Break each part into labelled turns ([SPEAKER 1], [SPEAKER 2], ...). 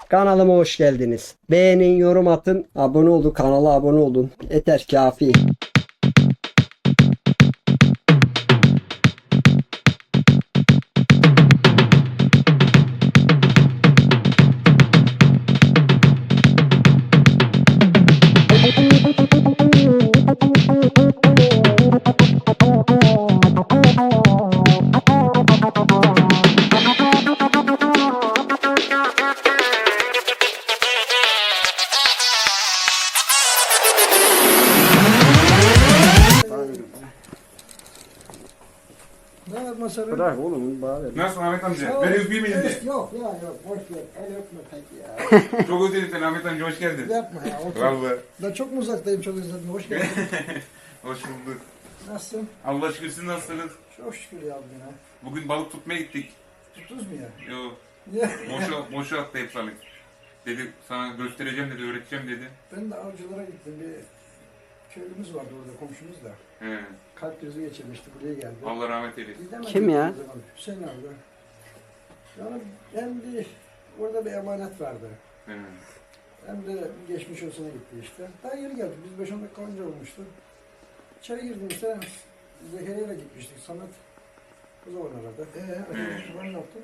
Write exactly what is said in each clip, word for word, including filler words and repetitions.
[SPEAKER 1] Kanalıma hoş geldiniz. Beğenin, yorum atın, abone olun, kanala abone olun. Yeter kafi.
[SPEAKER 2] Ne yapmasarım?
[SPEAKER 1] Bırak oğlum bari.
[SPEAKER 3] Nasılsın Ahmet amca? Ben öpeyim elini.
[SPEAKER 2] Evet, yok ya yok boş ver. El öpme pek ya.
[SPEAKER 3] Çok özledim seni Ahmet amca, hoş geldin.
[SPEAKER 2] Yapma ya. Otur.
[SPEAKER 3] Vallahi.
[SPEAKER 2] Ben çok mu uzaktayım, çok özledim. Hoş geldin.
[SPEAKER 3] Hoş bulduk.
[SPEAKER 2] Nasılsın?
[SPEAKER 3] Allah şükür, siz nasılsınız?
[SPEAKER 2] Çok şükür ya bugüne.
[SPEAKER 3] Bugün balık tutmaya gittik.
[SPEAKER 2] Tuttunuz mu ya?
[SPEAKER 3] Yo,
[SPEAKER 2] Niye?
[SPEAKER 3] boşa, boşa attı hep balık. Dedi sana göstereceğim dedi, öğreteceğim dedi.
[SPEAKER 2] Ben de avcılara gittim. Bir köylümüz vardı orada, komşumuz da.
[SPEAKER 3] He.
[SPEAKER 2] Kalp krizi geçirmişti, buraya geldi.
[SPEAKER 3] Allah rahmet eylesin.
[SPEAKER 2] Gidemedik
[SPEAKER 1] Kim ya?
[SPEAKER 2] o zaman. Hüseyin abi. Yani hem bir, orada bir emanet vardı.
[SPEAKER 3] He.
[SPEAKER 2] Hem de bir geçmiş olsuna gitti işte. Daha yeni geldik. Biz beş on dakika önce olmuştu. İçeri girdim işte. Zekeriya'yla gitmiştik. Samet o zaman aradı. Eee ben ne yaptım?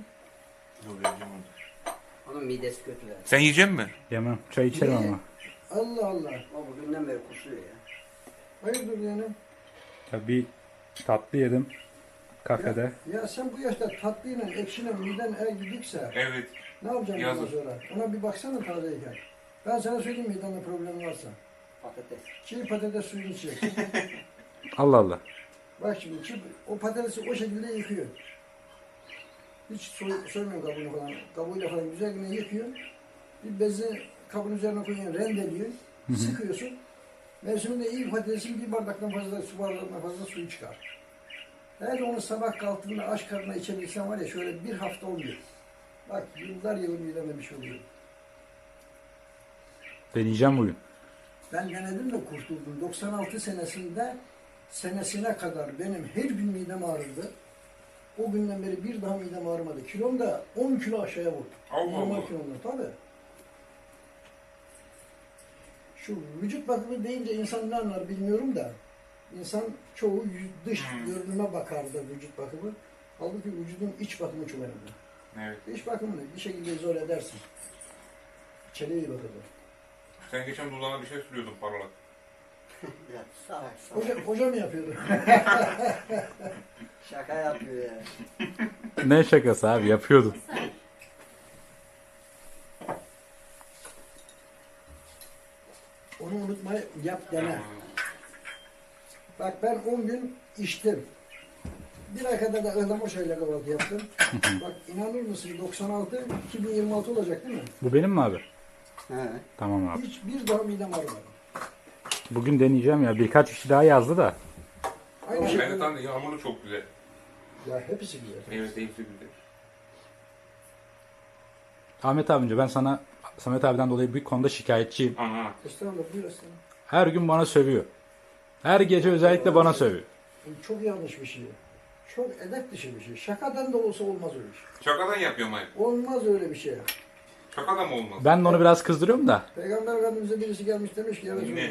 [SPEAKER 1] Onun midesi kötü ya.
[SPEAKER 3] Sen yiyecek misin?
[SPEAKER 4] Yemem. Çay içerim
[SPEAKER 2] Niye?
[SPEAKER 4] ama.
[SPEAKER 2] Allah Allah.
[SPEAKER 1] O bugünden beri kusuyor ya.
[SPEAKER 2] Hayırdır yani?
[SPEAKER 4] Ya bir tatlı yedim kafede.
[SPEAKER 2] Ya, ya sen bu yaşta tatlıyla ekşiyle miden eğer gidikse
[SPEAKER 3] Evet.
[SPEAKER 2] ne yapacaksın bundan
[SPEAKER 3] Yazık.
[SPEAKER 2] sonra? Ona bir baksana tazeyken. Ben sana söyleyeyim midende problem varsa.
[SPEAKER 1] Patates.
[SPEAKER 2] Çiğ patates suyunu içeceksin.
[SPEAKER 4] Allah Allah.
[SPEAKER 2] Bak şimdi çiğ, o patatesi o şekilde yıkıyor. Hiç soy, soymuyor kabuğunu falan. Kabuğuyla falan güzelce yıkıyor. Bir bezi kabın üzerine koyuyorsun, rendeliyor. Sıkıyorsun. Mevsiminde iyi patatesin bir bardaktan fazla, su bardaktan fazla suyu çıkar. Eğer onu sabah kalktığında aç karnına içebilirsen var ya şöyle bir hafta oluyor. Bak yıllar yılı mideme bir şey oluyor.
[SPEAKER 4] Deneyeceğim bugün.
[SPEAKER 2] Ben denedim de kurtuldum. doksan altı senesinde senesine kadar benim her gün midem ağrırdı. O günden beri bir daha midem ağrımadı. Kilom da on kilo aşağıya vurdu.
[SPEAKER 3] Allah
[SPEAKER 2] Normal
[SPEAKER 3] Allah.
[SPEAKER 2] kilomda tabii. Şu vücut bakımı deyince insan ne anlar bilmiyorum da. İnsan çoğu yüz- dış
[SPEAKER 3] Hmm.
[SPEAKER 2] görünüme bakar da vücut bakımı. Halbuki vücudun iç bakımı çok önemli.
[SPEAKER 3] Evet.
[SPEAKER 2] İç bakımını bir şekilde izole edersin. İçeriye iyi bakılır.
[SPEAKER 3] Sen geçen dudağına bir şey sürüyordun parlak.
[SPEAKER 1] Ya salak
[SPEAKER 2] Hoca, hoca mı yapıyordu?
[SPEAKER 1] Şaka yapıyor ya.
[SPEAKER 4] Ne şakası abi, yapıyordum.
[SPEAKER 2] Onu unutma, yap dene. Bak ben on gün içtim. Bir ay kadar da ıhlamur ile kahvaltı yaptım. Bak inanır mısın doksan altı iki bin yirmi altı olacak değil mi?
[SPEAKER 4] Bu benim mi abi?
[SPEAKER 1] He.
[SPEAKER 4] Tamam abi.
[SPEAKER 2] Hiç bir daha midem ağrımadı.
[SPEAKER 4] Bugün deneyeceğim ya. Birkaç kişi daha yazdı da.
[SPEAKER 2] Aynı
[SPEAKER 3] Ben de
[SPEAKER 2] şekilde.
[SPEAKER 3] tam yağmurlu çok güzel.
[SPEAKER 2] Ya hepsi güzel.
[SPEAKER 3] Evet, hepsi güzel.
[SPEAKER 4] Ahmet abince ben sana Samet abiden dolayı bir konuda şikayetçiyim.
[SPEAKER 3] Aha.
[SPEAKER 2] Estağfurullah buyur estağfurullah.
[SPEAKER 4] Her gün bana sövüyor. Her gece özellikle bana sövüyor.
[SPEAKER 2] Bu çok yanlış bir şey. Çok edep dışı bir şey. Şakadan da olsa olmaz öyle bir şey.
[SPEAKER 3] Şakadan yapıyorum hayır.
[SPEAKER 2] Olmaz öyle bir şey.
[SPEAKER 3] Şakadan mı olmaz?
[SPEAKER 4] Ben de onu biraz kızdırıyorum da.
[SPEAKER 2] Peygamber Efendimiz'e birisi gelmiş demiş ki ya Resulallah.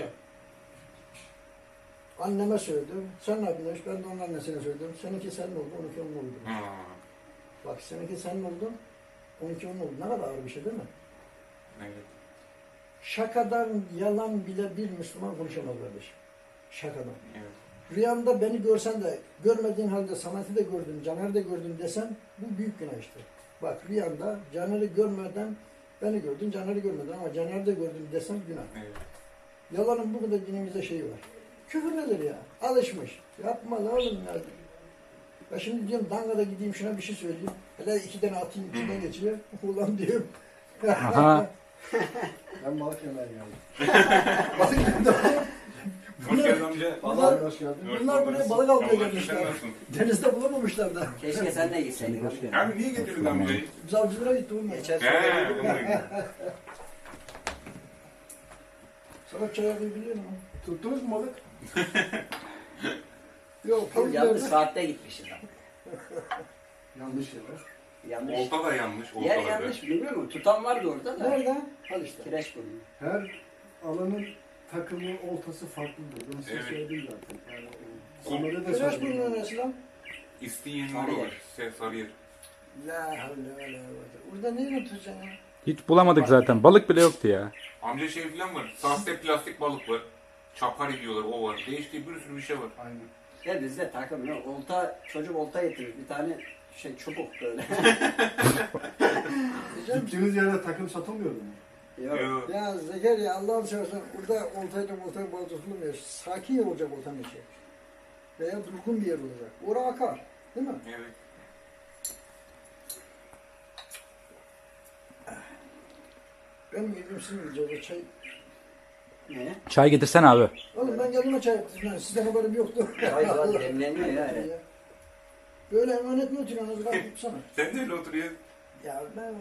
[SPEAKER 2] Anneme söyledim. Sen ne yapıyorsun? Ben de onun annesine söyledim. Seninki senin oldu, onunki onun oldu.
[SPEAKER 3] Ha.
[SPEAKER 2] Bak seninki senin oldu, onunki onun oldu. Ne kadar ağır bir şey değil mi?
[SPEAKER 3] Evet.
[SPEAKER 2] Şakadan yalan bile bir Müslüman konuşamaz kardeşim. Şakadan.
[SPEAKER 3] Evet.
[SPEAKER 2] Rüyanda beni görsen de görmediğin halde Samet'i de gördün, Caner'i de gördün desen bu büyük günah işte. Bak rüyanda Caner'i görmeden beni gördün, Caner'i görmedin ama Caner'i de gördün desen günah.
[SPEAKER 3] Evet.
[SPEAKER 2] Yalanın bu kadar dinimizde şeyi var. Küfür nedir ya? Alışmış. Yapma la oğlum ya. Ben şimdi diyorum Danga'da gideyim şuna bir şey söyleyeyim. Hele iki tane atayım içinden geçiyor. Ulan diyorum.
[SPEAKER 4] Aha.
[SPEAKER 2] Ben balık yemeye geldim. balık yemeye
[SPEAKER 3] Hoş geldin amca.
[SPEAKER 2] Bunlar,
[SPEAKER 5] hoş geldin.
[SPEAKER 2] bunlar buraya balık almaya
[SPEAKER 3] Allah
[SPEAKER 2] gelmişler.
[SPEAKER 3] sen nasılsın?
[SPEAKER 2] Denizde bulamamışlar da.
[SPEAKER 1] Keşke sen de gitseydin.
[SPEAKER 3] Abi niye getirdin amcayı?
[SPEAKER 2] Biz avcılara gittik bunlar.
[SPEAKER 1] Geçen
[SPEAKER 3] He,
[SPEAKER 1] sene
[SPEAKER 3] onu da-
[SPEAKER 2] Sana çay yapmayı biliyor musun?
[SPEAKER 5] Tuttunuz mu balık?
[SPEAKER 2] Yok.
[SPEAKER 1] yanlış saatte gitmişiz.
[SPEAKER 5] Yanlış yere.
[SPEAKER 1] Yanlış.
[SPEAKER 3] Olta da yanlış.
[SPEAKER 1] Yer
[SPEAKER 3] Oltalarda.
[SPEAKER 1] yanlış biliyor musun? Tutan vardı orada da.
[SPEAKER 2] Nerede? Al işte.
[SPEAKER 1] Kireç burnu.
[SPEAKER 2] Her alanın takımı oltası farklıdır. Ben size
[SPEAKER 3] Evet.
[SPEAKER 2] söyledim zaten. Yani,
[SPEAKER 3] Kum-
[SPEAKER 2] Samet'e de
[SPEAKER 1] Kireç
[SPEAKER 2] söyledim.
[SPEAKER 1] burnu neresi lan?
[SPEAKER 3] İsteyen
[SPEAKER 1] Sarıyer.
[SPEAKER 3] olur. Şey, Sarıyer.
[SPEAKER 2] La havle ve la kuvvete. Burada neyle tutacaksın ya?
[SPEAKER 4] Hiç bulamadık zaten. Balık bile yoktu ya.
[SPEAKER 3] Amca şey falan var. Sahte plastik balık var. Çapar ediyorlar, o var. Değişik bir sürü bir şey var.
[SPEAKER 2] Aynen.
[SPEAKER 1] Ya bizde takım yok. Olta, çocuk olta getirir. Bir tane şey çubuk böyle.
[SPEAKER 2] Diyeceğim,
[SPEAKER 5] Gittiğiniz yerde takım satılmıyor mu?
[SPEAKER 1] Yok.
[SPEAKER 3] Yok.
[SPEAKER 2] ya Zekeriya Allah'ını seversen burada oltayla oltayla balık tutulmuyor. Sakin yer olacak oltanın içi. Veya durgun bir yer olacak. Oraya akar. Değil mi?
[SPEAKER 3] Evet.
[SPEAKER 2] Ben yedim sizin yiyeceğiz o çay.
[SPEAKER 1] Ne?
[SPEAKER 4] Çay getirsen abi.
[SPEAKER 2] Oğlum ben kendime çay yaptım. Sizden haberim yoktu.
[SPEAKER 1] Hayır lan demleniyor ya. Evet.
[SPEAKER 2] Böyle emanet mi oturuyorsunuz? Bak tutsana.
[SPEAKER 3] Sen de öyle oturuyorsun.
[SPEAKER 2] Ya ben...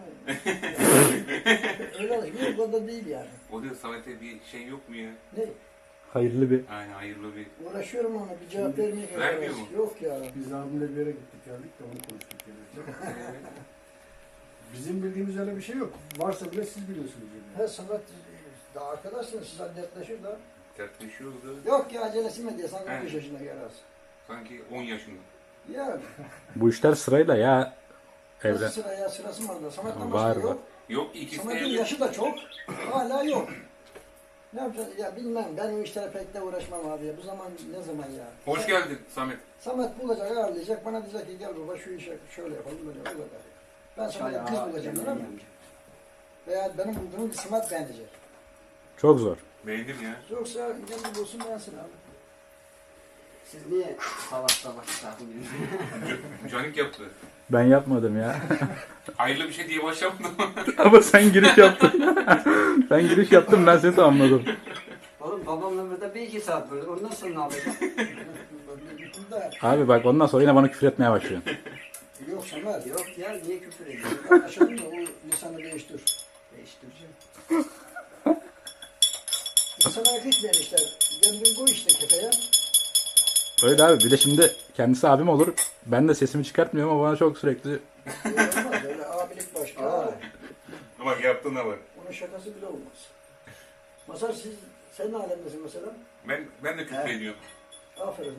[SPEAKER 2] öyle alışmıyor. O kadar değil yani.
[SPEAKER 3] O da Samet'e bir şey yok mu ya?
[SPEAKER 2] Ne?
[SPEAKER 4] Hayırlı bir.
[SPEAKER 3] Aynen hayırlı bir.
[SPEAKER 2] Uğraşıyorum ona bir cevap vermeye
[SPEAKER 3] Vermiyor mu?
[SPEAKER 2] Yok ya.
[SPEAKER 5] Biz abimle bir yere gittik geldik de onu konuştuk. Yani. Bizim bildiğimiz öyle bir şey yok. Varsa bile siz biliyorsunuz. Yani.
[SPEAKER 2] He sanat daha arkadaşsınız siz dertleşir da.
[SPEAKER 3] Dertleşiyordu.
[SPEAKER 2] Yok ya acelesi mi diye sen
[SPEAKER 3] He.
[SPEAKER 2] on beş yaşında gelirsin.
[SPEAKER 3] Sanki on yaşında.
[SPEAKER 2] Yani.
[SPEAKER 4] Bu işler sırayla ya.
[SPEAKER 2] Nasıl
[SPEAKER 4] Evren.
[SPEAKER 2] sıra ya sırası mı var da? Samet'ten
[SPEAKER 4] Var,
[SPEAKER 2] başka
[SPEAKER 4] var.
[SPEAKER 2] yok.
[SPEAKER 3] Yok ikisi de
[SPEAKER 2] Samet'in
[SPEAKER 3] evli.
[SPEAKER 2] yaşı da çok. Hala yok. Ne yapacağız? Ya bilmem. Ben o işlere pek de uğraşmam abi. Ya. Bu zaman ne zaman ya?
[SPEAKER 3] Hoş geldin Samet.
[SPEAKER 2] Samet bulacak, ayarlayacak. Bana diyecek ki gel baba şu işe şöyle yapalım böyle o kadar. Ben sana
[SPEAKER 1] Çay
[SPEAKER 2] kız
[SPEAKER 1] ağa,
[SPEAKER 2] bulacağım
[SPEAKER 1] demleniyor
[SPEAKER 2] değil mi?
[SPEAKER 1] amca.
[SPEAKER 2] Veya benim bulduğum bir Samet beğenecek.
[SPEAKER 4] Çok zor.
[SPEAKER 3] Beğendim ya.
[SPEAKER 2] Yoksa gel bulsun beğensin abi.
[SPEAKER 1] Siz niye sabah sabah takılıyorsunuz?
[SPEAKER 3] C- Canik yaptı.
[SPEAKER 4] Ben yapmadım ya.
[SPEAKER 3] Hayırlı bir şey diye başlamadım.
[SPEAKER 4] Ama sen giriş yaptın. Sen giriş yaptın, ben seni tamamladım.
[SPEAKER 1] Oğlum babamla burada bir iki saat böyle. Ondan sonra ne yapacağım?
[SPEAKER 2] Da,
[SPEAKER 4] Abi bak ondan sonra yine bana küfür etmeye başlıyorsun.
[SPEAKER 2] yok Samet.
[SPEAKER 1] Yok ya niye küfür ediyorsun?
[SPEAKER 2] Anlaşıldı mı? O lisanı değiştir.
[SPEAKER 1] Değiştireceğim.
[SPEAKER 2] İnsana gitmeyen işler. Kendin koy işte kefeye.
[SPEAKER 4] Öyle abi, bir de şimdi kendisi abim olur. Ben de sesimi çıkartmıyorum ama bana çok sürekli
[SPEAKER 2] Öyle olmaz. Öyle abilik başka.
[SPEAKER 1] Aa.
[SPEAKER 3] Ama yaptığına bak.
[SPEAKER 2] Onun şakası bile olmaz. Masar siz, sen ne alemdesin mesela?
[SPEAKER 3] Ben ben de küfür
[SPEAKER 1] He.
[SPEAKER 3] ediyorum.
[SPEAKER 2] Aferin.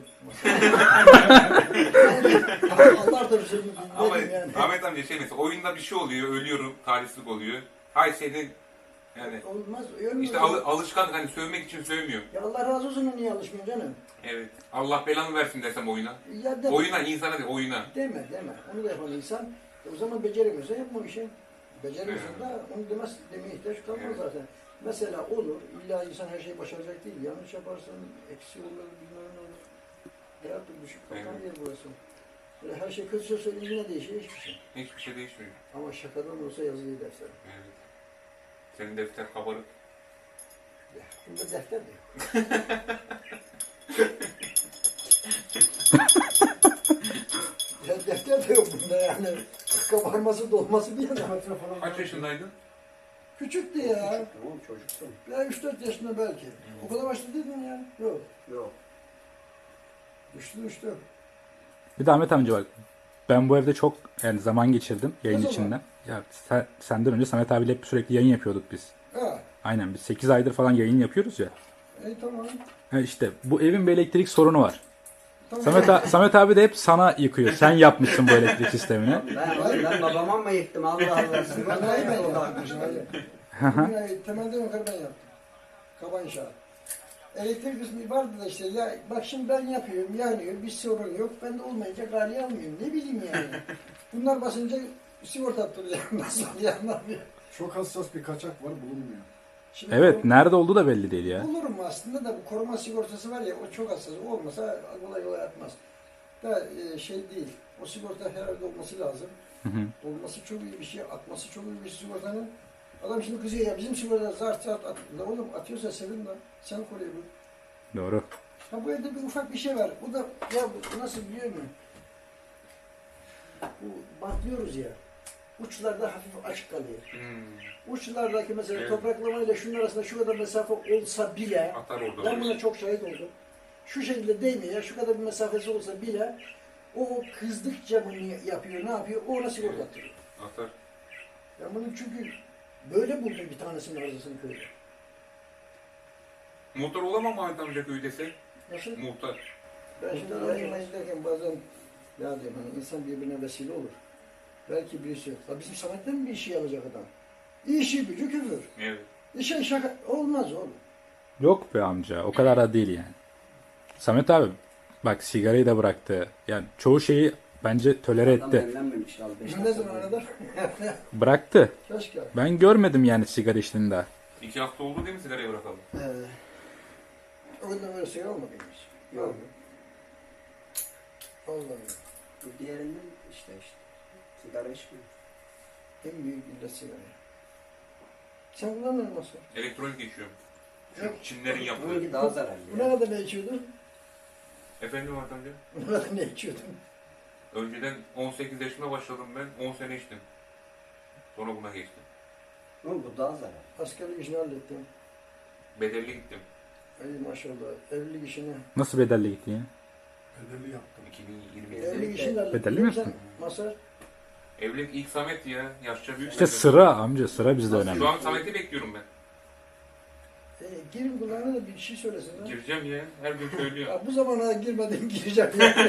[SPEAKER 2] Allah da bize
[SPEAKER 3] Ama
[SPEAKER 2] dedim yani.
[SPEAKER 3] Ahmet amca şey mesela oyunda bir şey oluyor, ölüyorum, talihsizlik oluyor. Hay senin yani
[SPEAKER 2] Olmaz. Ölmüyor.
[SPEAKER 3] işte al, alışkan hani sövmek için sövmüyor.
[SPEAKER 2] Ya Allah razı olsun niye alışmıyorsun canım?
[SPEAKER 3] Evet. Allah belanı versin desem oyuna.
[SPEAKER 2] Ya deme.
[SPEAKER 3] Oyuna insana değil, oyuna.
[SPEAKER 2] Deme deme. Onu da yapan insan. E o zaman beceremiyorsa yapma o işi. Beceremiyorsan da onu demez, demeye ihtiyaç kalmaz
[SPEAKER 3] Evet.
[SPEAKER 2] zaten. Mesela olur. İlla insan her şeyi başaracak değil. Yanlış yaparsan eksi olur, bilmem ne olur. Hayat bir düşük kalkan
[SPEAKER 3] Evet.
[SPEAKER 2] yer burası. Böyle her şey kötüse söyleyince ne değişir? Hiçbir şey.
[SPEAKER 3] Hiçbir şey değişmiyor.
[SPEAKER 2] Ama şakadan olsa yazılı defter.
[SPEAKER 3] Evet. Senin defter kabarık.
[SPEAKER 2] Ya, bunda defter de yok. Ya defter de yok bunda yani. Kabarması dolması bir yana.
[SPEAKER 5] Metre falan
[SPEAKER 3] Kaç yaşındaydın?
[SPEAKER 2] Küçüktü ya.
[SPEAKER 1] Tamam çocuksun.
[SPEAKER 2] Ya üç dört yaşında belki. O kadar başta değil mi ya? Yok.
[SPEAKER 1] Yok.
[SPEAKER 2] Düştü düştü.
[SPEAKER 4] Bir de Ahmet amca bak. Ben bu evde çok yani zaman geçirdim yayın
[SPEAKER 2] Ne zaman?
[SPEAKER 4] içinden. Ya sen, senden önce Samet abiyle hep sürekli yayın yapıyorduk biz.
[SPEAKER 2] Ha.
[SPEAKER 4] Aynen, biz sekiz aydır falan yayın yapıyoruz ya.
[SPEAKER 2] E tamam.
[SPEAKER 4] Ha işte bu evin bir elektrik sorunu var.
[SPEAKER 2] Tamam.
[SPEAKER 4] Samet, a- Samet abi de hep sana yıkıyor. Sen yapmışsın bu elektrik sistemini.
[SPEAKER 1] Ben, oğlum, ben babama mı yıktım Allah Allah. Siz bana
[SPEAKER 2] Binayı ben
[SPEAKER 1] yapın o
[SPEAKER 2] yaptım.
[SPEAKER 1] da.
[SPEAKER 2] binayı. Binayı temelden yukarı ben yaptım. Kaba inşaat. Elektrik kısmı vardı da işte ya bak şimdi ben yapıyorum yanıyor bir sorun yok ben de olmayınca galiye almıyorum ne bileyim yani. Bunlar basınca sigorta attıracağım nasıl yanlar bir.
[SPEAKER 5] çok hassas bir kaçak var bulunmuyor.
[SPEAKER 2] Şimdi
[SPEAKER 4] Evet,
[SPEAKER 2] bu-
[SPEAKER 4] nerede olduğu da belli değil ya.
[SPEAKER 2] Bulurum aslında da bu koruma sigortası var ya o çok hassas olmasa kolay kolay atmaz. Da e, şey değil o sigorta herhalde olması lazım.
[SPEAKER 4] Hı hı.
[SPEAKER 2] Olması çok iyi bir şey, atması çok iyi bir şey sigortanın. Adam şimdi kızıyor ya bizim sigorta zart zart at. La oğlum atıyorsa sevin lan. Sen koruyor bu.
[SPEAKER 4] Doğru.
[SPEAKER 2] Ha bu evde bir ufak bir şey var. Bu da ya bu nasıl biliyor musun? Bu bantlıyoruz ya. Uçlarda hafif açık kalıyor.
[SPEAKER 3] Hmm.
[SPEAKER 2] Uçlardaki mesela
[SPEAKER 3] Evet.
[SPEAKER 2] topraklamayla şunun arasında şu kadar mesafe olsa bile
[SPEAKER 3] Atar orada.
[SPEAKER 2] ben buna çok şahit oldum. Şu şekilde değmiyor ya şu kadar bir mesafesi olsa bile O kızdıkça bunu yapıyor, ne yapıyor? O ona sigorta attırıyor.
[SPEAKER 3] Atar.
[SPEAKER 2] Ben bunu çünkü böyle buldum bir tanesinin arızasını köyde.
[SPEAKER 3] Muhtar olamam mı Ahmet amca köydese?
[SPEAKER 2] Nasıl?
[SPEAKER 3] Muhtar.
[SPEAKER 2] Ben şimdi arayayım derken bazen ya diyorum hani insan birbirine vesile olur. Belki birisi yok. Ya bizim Samet'ten mi bir işi yapacak adam? İşi gücü küfür.
[SPEAKER 3] Evet.
[SPEAKER 2] İşe şaka olmaz oğlum.
[SPEAKER 4] Yok be amca. O kadar da değil yani. Samet abi bak sigarayı da bıraktı. Yani çoğu şeyi bence tölere
[SPEAKER 1] Adam
[SPEAKER 4] etti.
[SPEAKER 1] evlenmemiş al beş
[SPEAKER 2] Ne zaman kadar?
[SPEAKER 4] Bıraktı.
[SPEAKER 2] Keşke.
[SPEAKER 4] Ben görmedim yani sigara içtiğini daha.
[SPEAKER 3] İki hafta oldu değil mi sigarayı bırakalım?
[SPEAKER 2] Ee, o günden böyle sigara olmadı hiç.
[SPEAKER 1] Yok.
[SPEAKER 2] Vallahi.
[SPEAKER 1] Bu diğerinden işte işte. Sigara içmiyor.
[SPEAKER 2] En büyük illet sigara. Sen kullanmıyor musun?
[SPEAKER 3] Elektronik geçiyorum.
[SPEAKER 2] Yok.
[SPEAKER 3] Şu Çinlerin yaptığı.
[SPEAKER 1] Bununki daha zararlı.
[SPEAKER 2] Bu ne
[SPEAKER 1] ya.
[SPEAKER 2] kadar ne içiyordun?
[SPEAKER 3] Efendim Ahmet amca?
[SPEAKER 2] Bu ne kadar ne içiyordun?
[SPEAKER 3] Önceden on sekiz yaşında başladım ben. on sene içtim. Sonra buna geçtim.
[SPEAKER 1] Oğlum bu daha zararlı.
[SPEAKER 2] Askerlik işini hallettim.
[SPEAKER 3] Bedelli gittim.
[SPEAKER 2] İyi maşallah. Evlilik işini.
[SPEAKER 4] Nasıl bedelli gitti ya?
[SPEAKER 5] Bedelli yaptım.
[SPEAKER 3] iki bin yirmi.
[SPEAKER 2] Evlilik işini hallettim.
[SPEAKER 4] Bedelli mi
[SPEAKER 2] Sen
[SPEAKER 4] yaptın?
[SPEAKER 2] Masar.
[SPEAKER 3] Evlilik ilk Samet ya. Yaşça büyük.
[SPEAKER 4] İşte
[SPEAKER 3] benden.
[SPEAKER 4] sıra amca sıra bizde önemli.
[SPEAKER 3] Şu an Samet'i bekliyorum ben.
[SPEAKER 2] E, girin kulağına da bir şey söylesin lan.
[SPEAKER 3] Gireceğim ya. Her gün söylüyor.
[SPEAKER 2] Ya bu zamana girmeden gireceğim.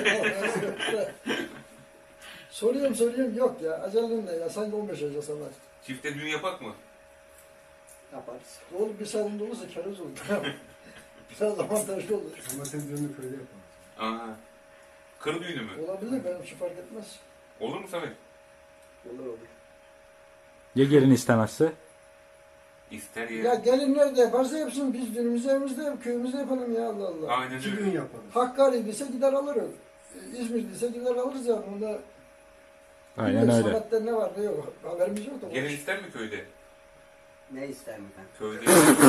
[SPEAKER 2] soruyorum soruyorum yok ya. Acelen ne ya? Sanki on beş yaşa sana.
[SPEAKER 3] Çifte düğün yapak mı?
[SPEAKER 1] Yaparız.
[SPEAKER 2] Oğlum bir salonda olursa kerez olur. Biraz avantajlı olur.
[SPEAKER 5] Samet'in düğünü köyde yaparız.
[SPEAKER 3] Aa. Kır düğünü mü?
[SPEAKER 2] Olabilir benim için fark etmez.
[SPEAKER 3] Olur mu Samet?
[SPEAKER 1] Olur olur.
[SPEAKER 4] Ya gelin istemezse?
[SPEAKER 3] İster
[SPEAKER 2] Ya
[SPEAKER 3] ya.
[SPEAKER 2] gelin nerede yaparsa yapsın. Biz düğünümüzü evimizde yap, köyümüzde yapalım ya Allah Allah.
[SPEAKER 3] Aynen
[SPEAKER 5] İki
[SPEAKER 3] öyle.
[SPEAKER 5] düğün yaparız.
[SPEAKER 2] Hakkari'diyse gider alırız. İzmir'diyse gider alırız yani. Bunda
[SPEAKER 4] Aynen
[SPEAKER 2] bilmiyorum,
[SPEAKER 4] öyle.
[SPEAKER 2] Samet'te ne var ne yok. Haberimiz yok da.
[SPEAKER 3] Gelin ister mi köyde?
[SPEAKER 1] Ne ister mi ben?
[SPEAKER 3] Köyde.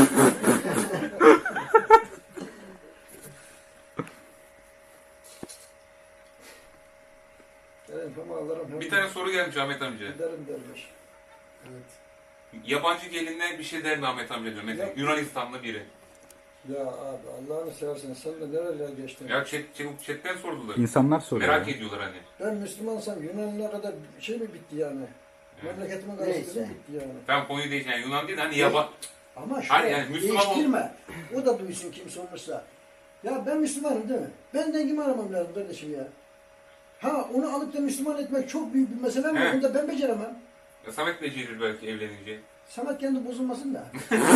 [SPEAKER 2] Gelin hem alırım hem
[SPEAKER 3] Bir tane soru gelmiş Ahmet amca.
[SPEAKER 2] giderim dermiş.
[SPEAKER 5] Evet.
[SPEAKER 3] Yabancı gelinler bir şey der mi Ahmet amca diyor. Mesela
[SPEAKER 2] Yok.
[SPEAKER 3] Yunanistanlı biri.
[SPEAKER 2] Ya abi Allah'ını seversen sen de nerelere geçtin?
[SPEAKER 3] Ya chat, chat, chatten sordular.
[SPEAKER 4] İnsanlar soruyor.
[SPEAKER 3] Merak
[SPEAKER 4] ya.
[SPEAKER 3] ediyorlar hani.
[SPEAKER 2] Ben Müslümansam Yunanlı'na kadar şey mi bitti yani?
[SPEAKER 3] Evet.
[SPEAKER 2] Memleketimin
[SPEAKER 1] Neyse.
[SPEAKER 2] karşısında bitti yani.
[SPEAKER 3] Ben konuyu değişen yani Yunan değil de hani yaba...
[SPEAKER 2] Ama şu
[SPEAKER 3] Hayır, yani Müslüman ol-
[SPEAKER 2] değiştirme. O da duysun kim sormuşsa. Ya ben Müslümanım değil mi? Ben dengimi aramam lazım kardeşim ya. Ha onu alıp da Müslüman etmek çok büyük bir mesele ama
[SPEAKER 3] He.
[SPEAKER 2] onu da ben beceremem.
[SPEAKER 3] Ya Samet becerir belki evlenince.
[SPEAKER 2] Samet kendi bozulmasın da.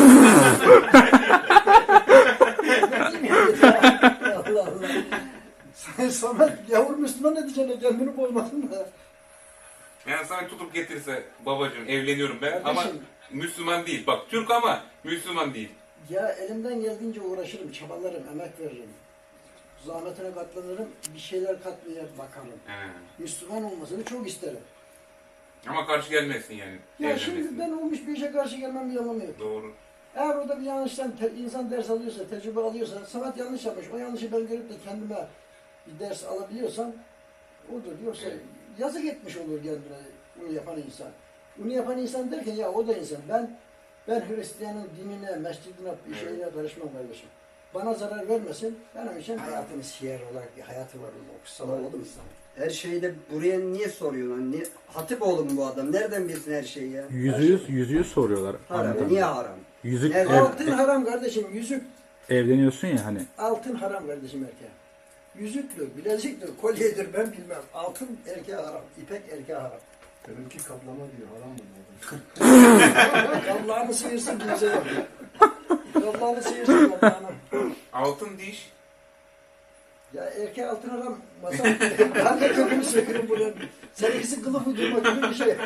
[SPEAKER 2] Allah Allah. Sen Samet yavur Müslüman edeceksin kendini bozmasın da.
[SPEAKER 3] Yani Samet tutup getirse babacığım evleniyorum ben ama
[SPEAKER 2] Kardeşim.
[SPEAKER 3] Müslüman değil. Bak Türk ama Müslüman değil.
[SPEAKER 2] Ya elimden geldiğince uğraşırım, çabalarım, emek veririm. Zahmetine katlanırım, bir şeyler katmaya bakarım.
[SPEAKER 3] He.
[SPEAKER 2] Müslüman olmasını çok isterim.
[SPEAKER 3] Ama karşı gelmesin yani.
[SPEAKER 2] Ya
[SPEAKER 3] evlenmesine.
[SPEAKER 2] şimdi ben olmuş bir işe karşı gelmem bir anlamı yok.
[SPEAKER 3] Doğru.
[SPEAKER 2] Eğer orada bir yanlıştan te- insan ders alıyorsa, tecrübe alıyorsa, Samet yanlış yapmış, o yanlışı ben görüp de kendime bir ders alabiliyorsam odur. Yoksa
[SPEAKER 3] Evet.
[SPEAKER 2] yazık etmiş olur kendine bunu yapan insan. Bunu yapan insan derken ya o da insan. Ben ben Hristiyanın dinine, mescidine, bir
[SPEAKER 3] Evet.
[SPEAKER 2] şeyine karışmam kardeşim. Bana zarar vermesin, benim için hayatını siyer olarak bir hayatı var orada. O kutsal
[SPEAKER 1] Anladım.
[SPEAKER 2] oldu
[SPEAKER 1] Her şeyi de buraya niye soruyorsun? Niye? Hatipoğlu mu bu adam? Nereden bilsin her şeyi ya?
[SPEAKER 4] Yüzü yüz, yüzü yüz soruyorlar.
[SPEAKER 1] Haram.
[SPEAKER 4] Ahmet
[SPEAKER 1] Niye
[SPEAKER 4] amca.
[SPEAKER 1] haram?
[SPEAKER 4] Yüzük
[SPEAKER 1] Nerede?
[SPEAKER 4] ev-
[SPEAKER 2] Altın haram kardeşim, yüzük
[SPEAKER 4] evleniyorsun ya hani.
[SPEAKER 2] altın haram kardeşim erkeğe. Yüzüktür, bileziktir, kolyedir ben bilmem. Altın erkeğe haram, ipek erkeğe haram.
[SPEAKER 5] Benimki kaplama diyor. Haram mı diyor?
[SPEAKER 2] Allah'ını sıyırsın kimse yok. Allah'ını sıyırsın Allah'ını.
[SPEAKER 3] Altın diş.
[SPEAKER 2] Ya erkeğe altın haram, masa, ben de kökünü sökürüm buraya. Seninkisi kılıf uydurma gibi bir şey.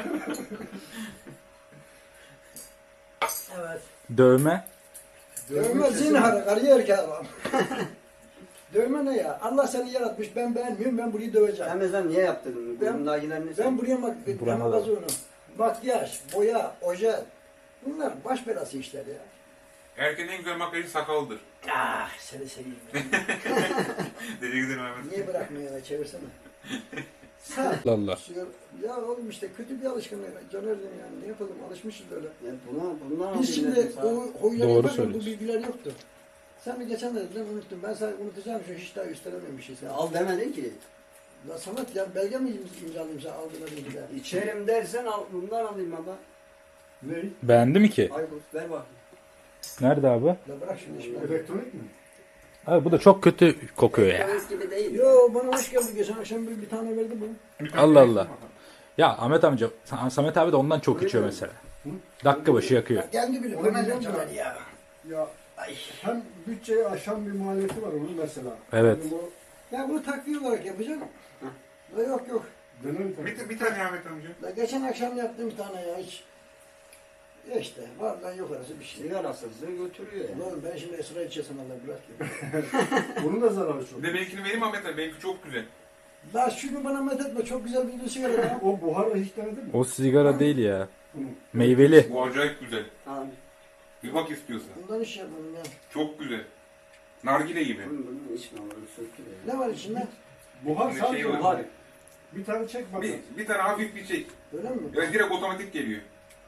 [SPEAKER 2] Evet.
[SPEAKER 4] Dövme.
[SPEAKER 2] Dövme zinhar, karıya erkeğe haram. Dövme ne ya? Allah seni yaratmış, ben beğenmiyorum, ben burayı döveceğim.
[SPEAKER 1] Sen mesela niye yaptın?
[SPEAKER 2] Ben-
[SPEAKER 1] Burundakiler ne?
[SPEAKER 2] Ben buraya mak
[SPEAKER 4] Burama da.
[SPEAKER 2] makyaj onu. Makyaj, boya, oje. Bunlar baş belası işler ya.
[SPEAKER 3] Erkeğin en güzel makyajı sakaldır.
[SPEAKER 2] Ah seni seveyim.
[SPEAKER 3] Deli gidelim hemen.
[SPEAKER 2] Niye bırakmıyor ya çevirsene. Sen.
[SPEAKER 4] Allah Allah.
[SPEAKER 2] Sigara- Ya oğlum işte kötü bir alışkanlık. Caner'dim yani ne yapalım alışmışız öyle.
[SPEAKER 1] Ya buna, bundan
[SPEAKER 2] Biz şimdi
[SPEAKER 1] alayım dedim sana.
[SPEAKER 2] o huyları
[SPEAKER 4] Doğru
[SPEAKER 2] yaparken bu
[SPEAKER 4] söylüyorsun.
[SPEAKER 2] bilgiler yoktu. Sen bir geçen de dedin unuttum. Ben sana unutacağım şu hiç daha üstelemem bir şey.
[SPEAKER 1] Ya
[SPEAKER 2] Sen.
[SPEAKER 1] al demedin ki.
[SPEAKER 2] La Samet ya belge mi im- imzalayayım sen aldığına bilgiler?
[SPEAKER 1] İçerim dersen al, bundan alayım baba.
[SPEAKER 5] Ne?
[SPEAKER 4] Beğendi mi ki?
[SPEAKER 1] Aykut ver bakayım.
[SPEAKER 4] Nerede abi?
[SPEAKER 2] La bırak şimdi işimi.
[SPEAKER 5] Elektronik mi?
[SPEAKER 4] Abi bu da çok kötü kokuyor ya.
[SPEAKER 1] Döviz gibi değil.
[SPEAKER 2] Yo bana hoş geldi. Geçen akşam bir, bir tane verdi bu.
[SPEAKER 4] Allah Allah. Ya Ahmet amca, Samet abi de ondan çok içiyor mesela. Dakika başı yakıyor.
[SPEAKER 2] Ya kendi bilir.
[SPEAKER 5] Onu
[SPEAKER 2] Bana ne
[SPEAKER 5] biliyorum
[SPEAKER 2] diyorlar
[SPEAKER 5] da.
[SPEAKER 2] ya?
[SPEAKER 5] Ya hem bütçeyi aşan bir maliyeti var onun mesela.
[SPEAKER 4] Evet.
[SPEAKER 5] Yani bu
[SPEAKER 2] Ya bunu takviye olarak yapacağım. La yok yok.
[SPEAKER 5] dönem tabii.
[SPEAKER 3] Bir, bir tane Ahmet amca.
[SPEAKER 2] La geçen akşam yaptım bir tane ya hiç. Ya işte var lan yok arası bir şey.
[SPEAKER 1] Sigarasızlığı götürüyor ya.
[SPEAKER 2] Oğlum ben şimdi esra içesem Allah bırak ya.
[SPEAKER 5] Bunun da zararı çok.
[SPEAKER 3] Bir de benimkini vereyim Ahmet abi. Benimki çok güzel.
[SPEAKER 2] La şunu bana met etme çok güzel bir sigara ya.
[SPEAKER 5] O buharla hiç denedin mi?
[SPEAKER 4] O sigara değil ya.
[SPEAKER 5] Bunu.
[SPEAKER 4] Meyveli.
[SPEAKER 3] Bu acayip güzel.
[SPEAKER 1] Abi
[SPEAKER 3] Bir bak istiyorsan.
[SPEAKER 2] Bundan iş yapalım ya.
[SPEAKER 3] Çok güzel. Nargile gibi.
[SPEAKER 1] bunu, bunu içme onu söktürüyor.
[SPEAKER 2] Ne var içinde?
[SPEAKER 5] Buhar
[SPEAKER 3] Bir
[SPEAKER 5] sadece
[SPEAKER 3] şey var.
[SPEAKER 5] buhar. Bir tane çek bakalım.
[SPEAKER 3] Bir, bir tane hafif bir şey.
[SPEAKER 2] Öyle mi?
[SPEAKER 3] Ya direkt otomatik geliyor.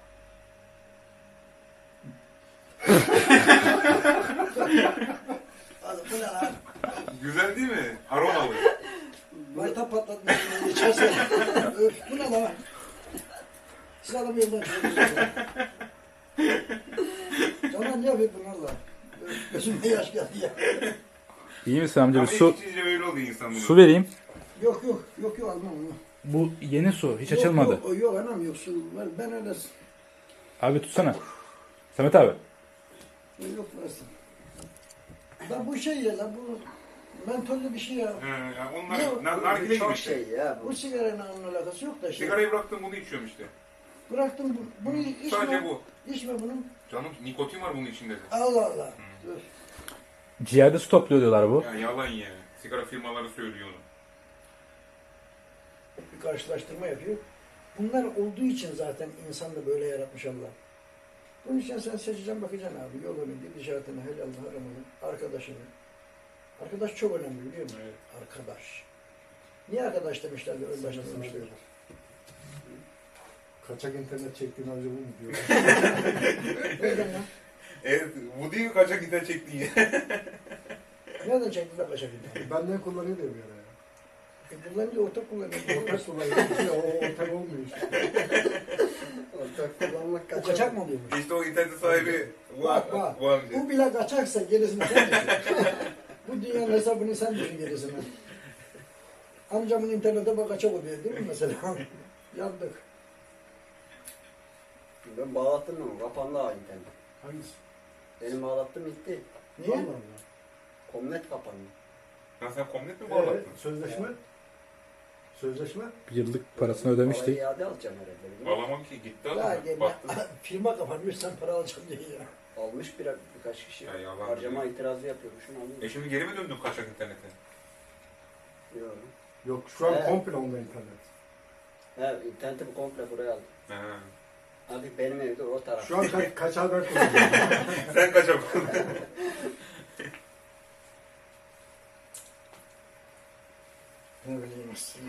[SPEAKER 2] Hadi bu ne lan?
[SPEAKER 3] Güzel değil mi? Aromalı.
[SPEAKER 2] Mayta patlatmış. İçerse. Öf bu ne lan? Siz adamı yoldan çıkıyorsunuz. Canan ne yapıyor bunlarla? Öf, gözüme yaş geldi ya.
[SPEAKER 4] İyi misin amca?
[SPEAKER 3] Ama
[SPEAKER 4] Bir su,
[SPEAKER 3] içince öyle oluyor insan bunu.
[SPEAKER 4] su vereyim.
[SPEAKER 2] Yok yok yok yok almam onu.
[SPEAKER 4] Bu yeni su. Hiç
[SPEAKER 2] Yok,
[SPEAKER 4] açılmadı.
[SPEAKER 2] Yok, o yok anam yok su var. Ben öyle
[SPEAKER 4] Abi tutsana. Samet abi.
[SPEAKER 2] yok versin. La bu şey ya la bu mentollü bir şey ya.
[SPEAKER 3] He, ya
[SPEAKER 2] Yok,
[SPEAKER 3] onlar nar, nargile gibi
[SPEAKER 1] Çok
[SPEAKER 3] işte.
[SPEAKER 1] şey ya bu.
[SPEAKER 2] Bu sigaranın onun alakası yok da işte.
[SPEAKER 3] Sigarayı bıraktım bunu içiyorum işte.
[SPEAKER 2] Bıraktım bu, bunu içme.
[SPEAKER 3] Sadece bu.
[SPEAKER 2] İçme bunu.
[SPEAKER 3] Canım nikotin var bunun içinde de.
[SPEAKER 2] Allah Allah. Öf.
[SPEAKER 4] Ciğerde su topluyor diyorlar bu.
[SPEAKER 3] Ya yalan ya. Sigara firmaları söylüyor onu.
[SPEAKER 2] Bir karşılaştırma yapıyor. Bunlar olduğu için zaten insan da böyle yaratmış Allah. Bunun için sen seçeceksin bakacaksın abi. Yolunu, gidişatını, helalını, haramını, arkadaşını. Arkadaş çok önemli biliyor musun?
[SPEAKER 3] Evet.
[SPEAKER 2] Arkadaş. Niye arkadaş demişler de ön başta demişler?
[SPEAKER 5] Kaçak internet çektiğin amca bu mu diyor.
[SPEAKER 2] Nereden lan?
[SPEAKER 3] Evet, bu değil mi kaçak gider çektiğin ya?
[SPEAKER 2] Nereden çektiler kaçak gitti?
[SPEAKER 5] Benden kullanıyor diyor bir ara ya.
[SPEAKER 2] E kullanınca ortak kullanıyor.
[SPEAKER 5] Ortak kullanıyor. Ya o ortak olmuyor işte.
[SPEAKER 1] Ortak kullanmak
[SPEAKER 2] O
[SPEAKER 1] kaçak.
[SPEAKER 2] kaçak mı oluyormuş?
[SPEAKER 3] İşte o internet sahibi
[SPEAKER 2] Bak bak.
[SPEAKER 3] bu amca.
[SPEAKER 2] Bu bile kaçaksa gerisini sen düşün. Bu dünyanın hesabını sen düşün gerisini. Amcamın internete bak kaçak oluyor değil mi mesela? Yandık.
[SPEAKER 1] Ben bağlattım mı? Kapandı ha internet.
[SPEAKER 5] Hangisi?
[SPEAKER 1] Benim bağlattım gitti.
[SPEAKER 2] Niye?
[SPEAKER 5] Vallahi Allah.
[SPEAKER 1] Komnet kapandı.
[SPEAKER 3] Ya sen komnet mi
[SPEAKER 5] Evet,
[SPEAKER 3] bağlattın?
[SPEAKER 5] sözleşme. Sözleşme.
[SPEAKER 4] Bir yıllık parasını ödemiştik.
[SPEAKER 1] Parayı iade alacağım herhalde. değil mi?
[SPEAKER 3] Bağlamam ki gitti
[SPEAKER 2] Ya
[SPEAKER 3] adam.
[SPEAKER 2] gene
[SPEAKER 3] Baktım.
[SPEAKER 2] firma kapanmış sen para alacaksın diye ya.
[SPEAKER 1] Almış bir, birkaç kişi.
[SPEAKER 3] Ya yalan
[SPEAKER 1] Harcama
[SPEAKER 3] diyor.
[SPEAKER 1] itirazı yapıyormuşum. Almış.
[SPEAKER 3] E şimdi geri mi döndün kaçak internete?
[SPEAKER 1] Yok.
[SPEAKER 5] Yok şu an
[SPEAKER 1] Evet.
[SPEAKER 5] komple onda internet.
[SPEAKER 1] He, internetimi komple buraya aldım.
[SPEAKER 3] Ha.
[SPEAKER 1] Artık benim evde o taraf.
[SPEAKER 5] Şu an ka kaçağı ben kullanıyorum.
[SPEAKER 3] Sen kaçak
[SPEAKER 2] Ne bileyim işte.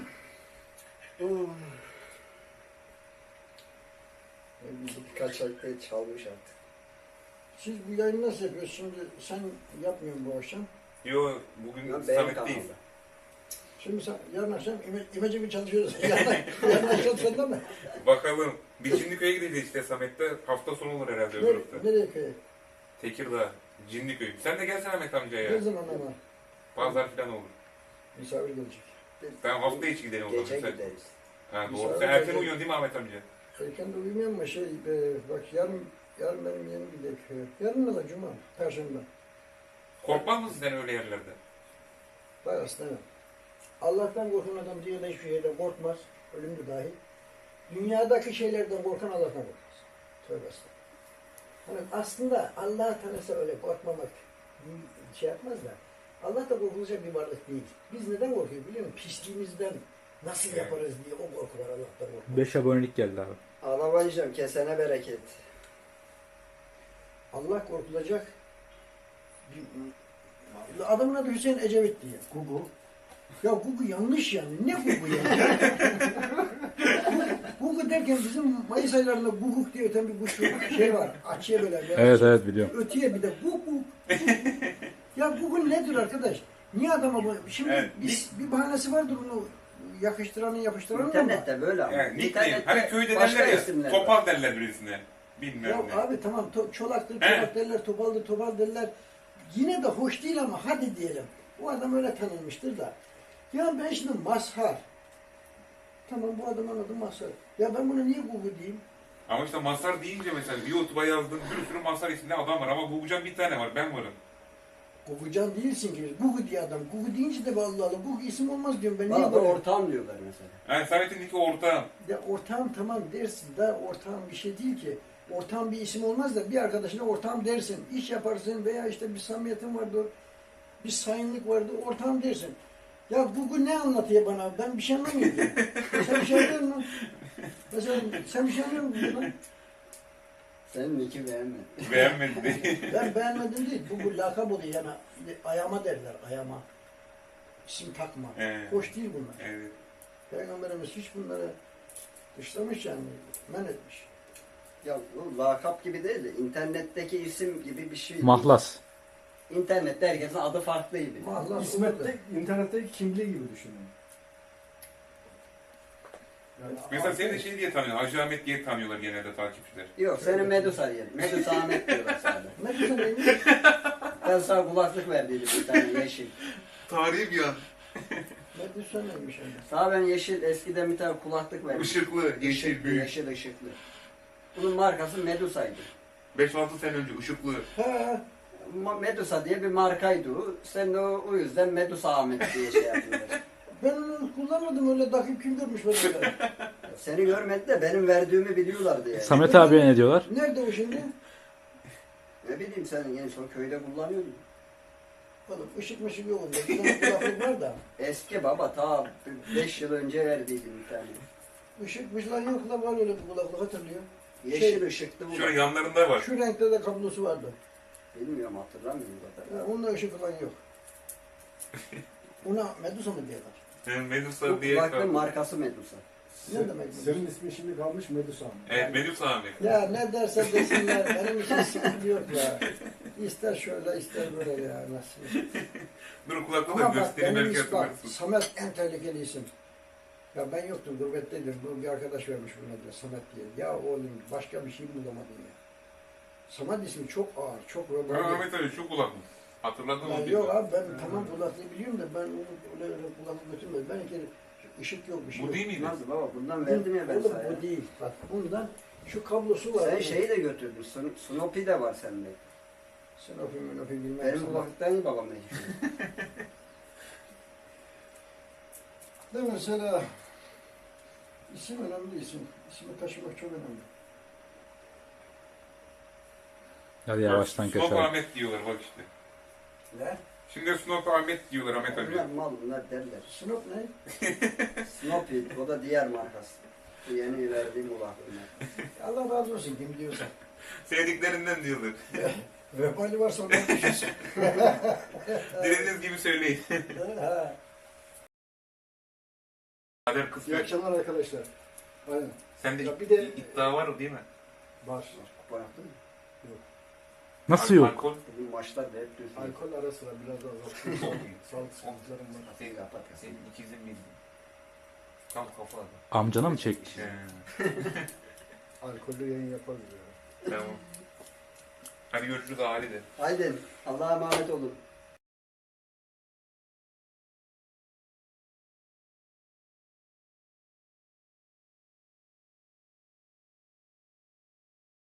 [SPEAKER 1] Kaçak değil, çalmış artık.
[SPEAKER 2] Siz bu yayını nasıl yapıyorsunuz? Şimdi sen yapmıyorsun bu akşam.
[SPEAKER 3] Yo bugün
[SPEAKER 1] Lan benim
[SPEAKER 3] Samet'teyiz.
[SPEAKER 1] kanalda.
[SPEAKER 2] Şimdi sen yarın akşam ime, imece bir çalışıyoruz. yarın, yarın akşam sende mi?
[SPEAKER 3] Bakalım. Biz Cinliköy'e gideceğiz işte Samet'te. Hafta sonu olur herhalde öbür
[SPEAKER 2] Nere,
[SPEAKER 3] hafta.
[SPEAKER 2] nereye köye?
[SPEAKER 3] Tekirdağ, Cinliköy. Sen de gelsene Ahmet amca
[SPEAKER 2] Ne
[SPEAKER 3] ya.
[SPEAKER 2] zaman ama?
[SPEAKER 3] Pazar falan olur.
[SPEAKER 2] Misafir gelecek.
[SPEAKER 3] Tamam hafta içi gidelim o zaman.
[SPEAKER 1] Gece
[SPEAKER 3] Sen-
[SPEAKER 1] gideriz.
[SPEAKER 3] Ha, doğru.
[SPEAKER 2] Misafir
[SPEAKER 3] Sen erken
[SPEAKER 2] gelecek.
[SPEAKER 3] uyuyorsun değil mi Ahmet amca?
[SPEAKER 2] Erken de uyumuyorum ama şey, e, bak yarın, yarın benim yeğenim gidecek köye. Yarın ne la cuma, perşembe.
[SPEAKER 3] Korkmaz mısın sen öyle yerlerde?
[SPEAKER 2] Bak aslında Allah'tan korkan adam dünyada hiçbir şeyden korkmaz. Ölümlü dahil. Dünyadaki şeylerden korkan Allah'tan korkmaz. Tövbe estağfurullah. Hani aslında Allah'ı tanısa öyle korkmamak bir şey yapmaz da Allah da korkulacak bir varlık değil. Biz neden korkuyoruz biliyor musun? Pisliğimizden nasıl
[SPEAKER 3] Evet.
[SPEAKER 2] yaparız diye o korku var Allah'tan korkmak.
[SPEAKER 4] beş abonelik geldi abi.
[SPEAKER 1] Alamayacağım, kesene bereket.
[SPEAKER 2] Allah korkulacak bir adamın adı Hüseyin Ecevit diye.
[SPEAKER 5] Google.
[SPEAKER 2] Ya Gugu yanlış yani. Ne Gugu ya? Gugu derken bizim Mayıs aylarında Guguk diye öten bir kuş şey var. Açıya böyle. bir-
[SPEAKER 4] Evet evet biliyorum.
[SPEAKER 2] Ötüye bir de Gugu. Ya Gugu nedir arkadaş? Niye adama bu? Şimdi
[SPEAKER 3] Evet.
[SPEAKER 2] bir, bir bahanesi vardır onu yakıştıranın yapıştıranın ama.
[SPEAKER 1] İnternette böyle ama.
[SPEAKER 3] Yani nickname.
[SPEAKER 1] İnternette
[SPEAKER 3] Hani köyde
[SPEAKER 1] başka
[SPEAKER 3] derler ya.
[SPEAKER 1] isimler var.
[SPEAKER 3] Topal derler birisine. Bilmem
[SPEAKER 2] Ya
[SPEAKER 3] ne.
[SPEAKER 2] abi tamam to, çolaktır,
[SPEAKER 3] He.
[SPEAKER 2] çolak derler, topaldır, topal derler. Yine de hoş değil ama hadi diyelim. O adam öyle tanınmıştır da. Ya ben şimdi Mazhar. Tamam bu adamın adı Mazhar. Ya ben bunu niye Google diyeyim?
[SPEAKER 3] Ama işte Mazhar deyince mesela YouTube'a yazdığın bir sürü Mazhar isimli adam var ama Google'can bir tane var. Ben varım.
[SPEAKER 2] Google'can değilsin ki. Google diye adam. Google deyince de Allah Allah. Google isim olmaz diyorum ben.
[SPEAKER 1] Bana
[SPEAKER 2] Niye
[SPEAKER 1] da
[SPEAKER 2] böyle?
[SPEAKER 1] ortağım diyorlar mesela.
[SPEAKER 3] Yani Samet'in iki ortağım.
[SPEAKER 2] Ya ortağım tamam dersin da ortağım bir şey değil ki. Ortağım bir isim olmaz da bir arkadaşına ortağım dersin. İş yaparsın veya işte bir samimiyetin vardır. Bir sayınlık vardır. Ortağım dersin. Ya Google ne anlatıyor bana? Ben bir şey anlamıyorum ki. Sen bir şey anlıyor musun? Mesela sen bir şey anlıyor musun bundan?
[SPEAKER 1] Senin iki beğenmedim.
[SPEAKER 3] Beğenmedi değil.
[SPEAKER 2] Ben beğenmedim değil. Google lakap oluyor yani. Ayama derler. Ayama. İsim takma.
[SPEAKER 3] Evet.
[SPEAKER 2] Hoş değil bunlar.
[SPEAKER 3] Evet.
[SPEAKER 2] Peygamberimiz hiç bunları dışlamış yani. Men etmiş.
[SPEAKER 1] Ya bu lakap gibi değil de internetteki isim gibi bir şey.
[SPEAKER 4] Mahlas.
[SPEAKER 1] İnternette herkesin adı farklı gibi.
[SPEAKER 2] Mahlas
[SPEAKER 5] İsmet'te, internetteki kimliği gibi düşünün. Yani
[SPEAKER 3] Mesela seni de şey diye tanıyor. Hacı Ahmet diye tanıyorlar genelde takipçiler.
[SPEAKER 1] Yok seni Medusa diyelim. Medusa Ahmet diyorlar sadece.
[SPEAKER 2] Medusa neymiş?
[SPEAKER 1] Ben sana kulaklık verdiydim bir tane yeşil.
[SPEAKER 3] Tarihi bir an.
[SPEAKER 2] Medusa neymiş yani?
[SPEAKER 1] Sana ben yeşil eskiden bir tane kulaklık verdim.
[SPEAKER 3] Işıklı, yeşil,
[SPEAKER 1] Işıklı,
[SPEAKER 3] büyük.
[SPEAKER 1] Yeşil ışıklı. Bunun markası Medusa'ydı.
[SPEAKER 3] beş altı sene önce ışıklı.
[SPEAKER 2] Ha,
[SPEAKER 1] Ma- Medusa diye bir markaydı o. Sen de o, o yüzden Medusa Ahmet diye şey yapıyorlar.
[SPEAKER 2] ben onu kullanmadım öyle takip kim görmüş böyle.
[SPEAKER 1] Seni görmedi de benim verdiğimi biliyorlardı yani.
[SPEAKER 4] Samet abiye ne diyorlar?
[SPEAKER 2] Nerede o şimdi?
[SPEAKER 1] Ne bileyim senin en son köyde kullanıyordun.
[SPEAKER 2] Oğlum ışık mışık yok onda. Bir tane kulaklık var da.
[SPEAKER 1] Eski baba ta beş yıl önce verdiydim bir tane.
[SPEAKER 2] Işık mışıklar yok da var öyle bir kulaklık hatırlıyor.
[SPEAKER 1] Yeşil
[SPEAKER 2] Şey-
[SPEAKER 1] ışıklı bu.
[SPEAKER 3] Şöyle yanlarında var.
[SPEAKER 2] Şu renkte de kablosu vardı.
[SPEAKER 1] Bilmiyorum hatırlamıyorum zaten.
[SPEAKER 2] Ha, onda ışık falan yok. Ona Medusa mı diyorlar?
[SPEAKER 3] Yani
[SPEAKER 1] Bu
[SPEAKER 3] Medusa diye.
[SPEAKER 1] kulaklığın markası Medusa.
[SPEAKER 2] Ne demek Medusa?
[SPEAKER 5] Senin ismin şimdi kalmış Medusa.
[SPEAKER 3] Evet Medusa Ahmet.
[SPEAKER 2] Ya ne derse desinler, benim için sıkıntı yok ya. İster şöyle, ister böyle ya, nasıl?
[SPEAKER 3] Dur kulaklığı da
[SPEAKER 2] Ama bak
[SPEAKER 3] göstereyim
[SPEAKER 2] benim
[SPEAKER 3] belki
[SPEAKER 2] isim bak,
[SPEAKER 3] hatırlarsın.
[SPEAKER 2] Samet en tehlikeli isim. Ya ben yoktum, gurbetteydim. Bu bir arkadaş vermiş buna da Samet diye. Ya oğlum başka bir şey bulamadın ya. Samet ismi çok ağır, çok
[SPEAKER 3] Ha,
[SPEAKER 2] romantik.
[SPEAKER 3] Ahmet abi şu kulaklık. Hatırladın
[SPEAKER 2] Ya
[SPEAKER 3] mı?
[SPEAKER 2] yok abi ben tamam kulaklığı biliyorum da ben onu öyle öyle kulaklık götürmedim. Ben iki ışık yok, bir şey
[SPEAKER 3] Bu
[SPEAKER 2] yok.
[SPEAKER 3] değil miydi?
[SPEAKER 1] Nasıl baba bundan verdim ya ben
[SPEAKER 2] Oğlum
[SPEAKER 1] sana.
[SPEAKER 2] bu değil. Bak bundan şu kablosu var.
[SPEAKER 1] Sen şeyi de götürdün. Sno- Snoopy de var sende.
[SPEAKER 2] Sen öpeyim ben öpeyim bilmem.
[SPEAKER 1] Benim
[SPEAKER 2] sana.
[SPEAKER 1] kulaklıktan iyi babam ne düşünüyor?
[SPEAKER 2] De mesela isim önemli isim. İsmi taşımak çok önemli.
[SPEAKER 4] Hadi yavaştan
[SPEAKER 3] Snop
[SPEAKER 4] kaçalım.
[SPEAKER 3] Ahmet diyorlar bak işte.
[SPEAKER 2] Ne?
[SPEAKER 3] Şimdi Snop Ahmet diyorlar Ahmet abi.
[SPEAKER 1] Bunlar mal bunlar derler.
[SPEAKER 2] Snop ne?
[SPEAKER 1] Snoopy o da diğer markası. Bu yeni verdiğim kulaklığına.
[SPEAKER 2] Allah razı olsun kim diyorsa.
[SPEAKER 3] Sevdiklerinden diyorlar.
[SPEAKER 2] Vebali varsa ondan düşünsün.
[SPEAKER 3] Dilediğiniz gibi söyleyin.
[SPEAKER 2] Ha.
[SPEAKER 3] Kader
[SPEAKER 5] İyi
[SPEAKER 3] kısmet.
[SPEAKER 5] akşamlar arkadaşlar. Aynen.
[SPEAKER 3] Sende
[SPEAKER 5] Ya bir
[SPEAKER 3] id-
[SPEAKER 5] de-
[SPEAKER 3] iddia var değil mi?
[SPEAKER 5] Var.
[SPEAKER 1] Kupa yaptın mı?
[SPEAKER 4] Nasıl
[SPEAKER 3] Al-
[SPEAKER 4] yok?
[SPEAKER 3] Alkol.
[SPEAKER 1] Bugün maçlar da hep düz.
[SPEAKER 5] Alkol ara sıra biraz daha azalttım. Sağlık sıkıntılarım var.
[SPEAKER 3] Senin,
[SPEAKER 1] Kapat.
[SPEAKER 3] senin ikizin miydi? Tam kafa.
[SPEAKER 4] Amcana mı çekmiş?
[SPEAKER 3] He,
[SPEAKER 5] Alkollü yayın yaparız ya.
[SPEAKER 3] tamam. Hadi görüşürüz Ali de.
[SPEAKER 1] Haydi Allah'a emanet olun.